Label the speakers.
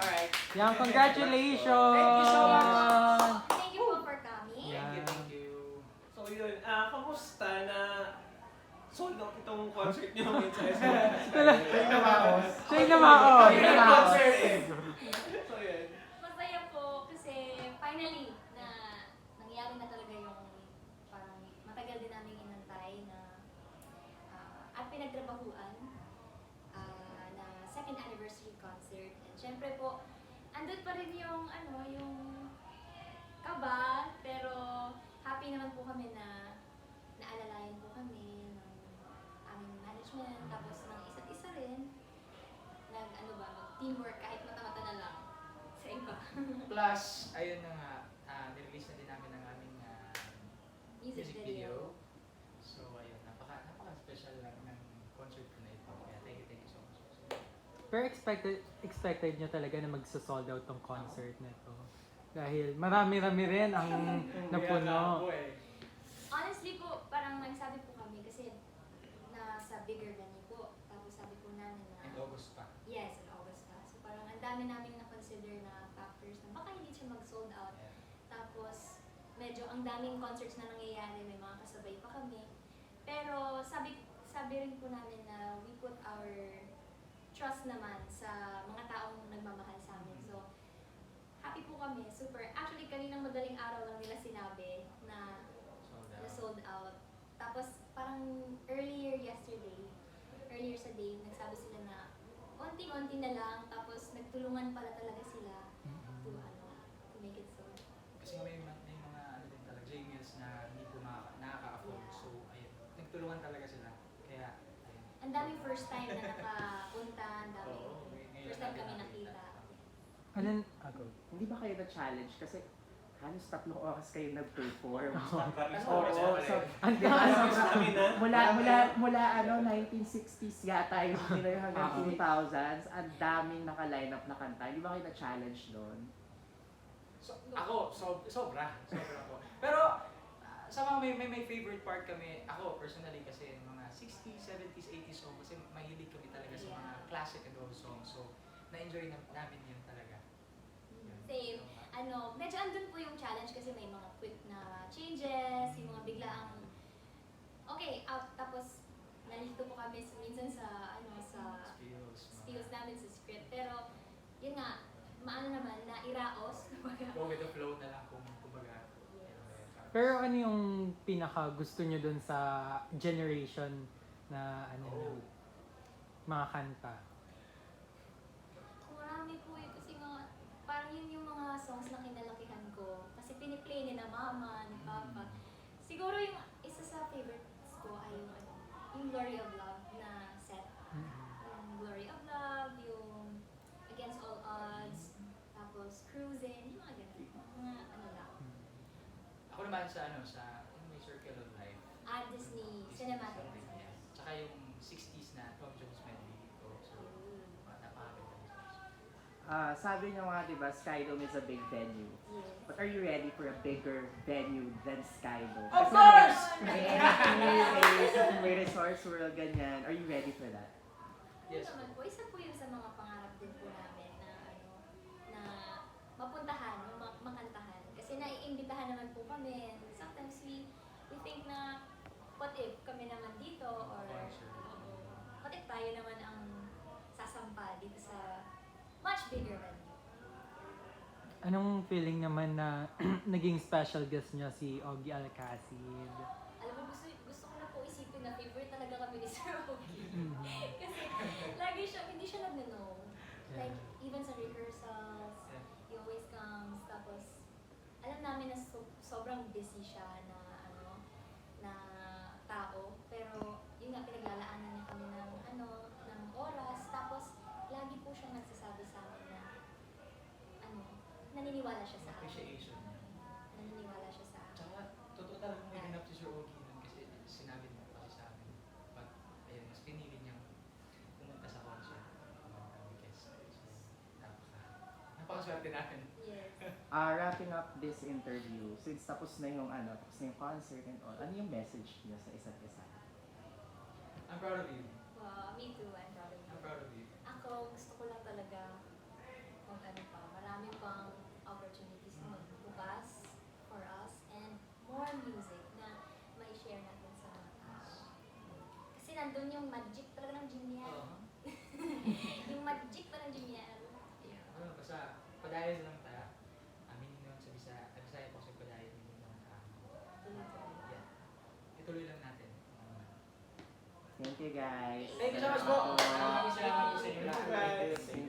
Speaker 1: Alright.
Speaker 2: Yan, congratulations!
Speaker 1: Thank you so much.
Speaker 3: Thank you po for coming.
Speaker 2: Yeah.
Speaker 1: Thank you.
Speaker 4: So yun, kamusta na sold out itong concert niyo ngayon sa SM?
Speaker 5: Take the mouse.
Speaker 2: Siya yung namaon.
Speaker 4: Yun ang concert eh. So yun.
Speaker 3: Masaya po kasi finally na nangyari na talaga yung parang matagal din namin inantay na at pinagtrabahuan na second anniversary concert. And syempre po, andun pa rin yung yung kaba, pero happy naman po kami na naalalayan po kami ng aming management, tapos ng isa't isa rin, mag-teamwork kahit mata-mata na lang sa iba.
Speaker 1: Plus, ayun na nga, nirelease na din namin ang aming
Speaker 3: Music video.
Speaker 1: So ayun, napaka-special lang ng concert ko na ito. Kaya thank you so much.
Speaker 2: Pero expected nyo talaga na magsa-sold out tong concert na to. Dahil marami-rami rin ang napuno.
Speaker 3: Honestly po, parang nagsabi po kami kasi nasa bigger venue po. Tapos sabi po namin na,
Speaker 1: In August pa.
Speaker 3: yes, in August pa. So parang ang dami namin na-consider na factors na baka hindi siya mag-sold out.
Speaker 1: Yeah.
Speaker 3: Tapos medyo ang daming concerts na nangyayari, may mga kasabay pa kami. Pero sabi rin po namin na we put our trust naman sa mga taong nagmamahal sa amin. So happy po kami, super. Actually, kaninang madaling araw lang nila sinabi na sold out. Tapos parang earlier sa day, nagsabi sila na onting-onti na lang, tapos nagtulungan pala talaga sila to make it sold.
Speaker 1: Kasi may mga ano din talaga, J-Mills na hindi po nakaka-afford.
Speaker 3: Yeah.
Speaker 1: So ayun, nagtulungan talaga sila. Kaya ayun.
Speaker 3: Ang daming first time na nakapunta, ang daming
Speaker 1: Oo, ngayon
Speaker 3: first time
Speaker 1: natin
Speaker 3: kami
Speaker 1: nakita.
Speaker 3: nakita.
Speaker 2: Anong, ako?
Speaker 5: Hindi ba kayo na-challenge? Kasi halos 3 oras kayo nag-perform.
Speaker 4: Maraming
Speaker 5: Oo,
Speaker 4: stories
Speaker 5: so,
Speaker 4: pala
Speaker 2: Ang
Speaker 4: Maraming stamina.
Speaker 5: mula 1960s yata yung nila hanggang 2000s, ang daming naka-line up na kanta. Hindi ba kayo na-challenge doon?
Speaker 1: So, ako, sobra ko. Pero sa mga may favorite part kami, ako personally kasi mga 60s, 70s, 80s song kasi mahilig kami talaga sa mga
Speaker 3: Yeah.
Speaker 1: classic and old songs. So, na-enjoy namin yun talaga. Yun.
Speaker 3: Same. Medyo andun po yung challenge kasi may mga quick na changes, yung mga biglaang okay, out, tapos nalito po kami minsan sa spills namin sa script. Pero yun nga, maano naman na iraos.
Speaker 1: Go with the flow na lang kumbaga.
Speaker 3: Yes.
Speaker 2: Pero ano yung pinaka gusto nyo dun sa generation na
Speaker 1: Oh.
Speaker 2: mga kanta?
Speaker 3: Marami po eh, kasi nga, parang yun yung mga songs na kinalakihan ko. Kasi piniplay ni na mama, ni papa. Siguro yung isa sa favorites ko ay yung Glory of Love na set. Yung Glory of Love, yung Against All Odds, tapos Cruising, yung mga ganun. Mga ano lang.
Speaker 1: Ako naman sa yung may Circle of Life.
Speaker 3: Disney Cinematic.
Speaker 1: Yeah. Tsaka yung 60s na Tom Jones medley dito. So, napakaganda.
Speaker 5: Sabi niyo nga, di ba, Skydome is a big venue.
Speaker 3: Yes.
Speaker 5: But are you ready for a bigger venue than Skydome?
Speaker 1: Of
Speaker 5: Kasi
Speaker 1: course!
Speaker 5: may Resorts World, ganyan. Are you ready for that?
Speaker 1: Yes.
Speaker 3: Naman po, isa po yun sa mga pangarap din po namin na na mapuntahan, makantahan. Kasi naiimbitahan naman po kami. Sometimes we think na what if kami naman dito or what if tayo naman ang sasampa dito sa much bigger venue.
Speaker 2: Anong feeling naman na naging special guest nyo si Ogie Alcacid?
Speaker 3: Alam mo, gusto ko na po isipin na favorite talaga kami ni Sir Ogie.
Speaker 2: Mhm.
Speaker 3: Kasi hindi siya nag-know.
Speaker 2: Yeah.
Speaker 3: Like, even sa rehearsals,
Speaker 1: Yeah.
Speaker 3: he always comes, tapos alam namin na sobrang busy siya na na tao, pero yun nga, pinaglalaanan niya kami ng oras, tapos lagi po siyang nagsasabi sa amin na naniniwala siya sa amin.
Speaker 1: Appreciation.
Speaker 3: Naniniwala siya sa amin.
Speaker 1: Tsaka, totoo talagang may ganap si Sir Ogie nun kasi sinabi niya kasi sa amin. But, ayun, mas pinili niyang pumunta sa concert. Guest. So, napakaswerte natin.
Speaker 3: Yes.
Speaker 5: Wrapping up this interview, since tapos na yung concert and all, ano yung message niyo sa isa't isa?
Speaker 1: I'm proud of you.
Speaker 3: Me too, I'm proud of you.
Speaker 1: I'm proud of you.
Speaker 3: Ako, gusto ko lang talaga nandun yung magic talaga ng Jimmy.
Speaker 1: Oo.
Speaker 3: Yung magic pa ng Jimmy.
Speaker 1: Basta, padayon lang tayo. Aminin naman sa Bisaya po kasi padayon din naman tayo. Ituloy lang natin.
Speaker 5: Thank you guys.
Speaker 1: Thank you so much po.
Speaker 5: Salamat po.
Speaker 1: Maraming salamat po sa inyo lahat.
Speaker 4: Guys.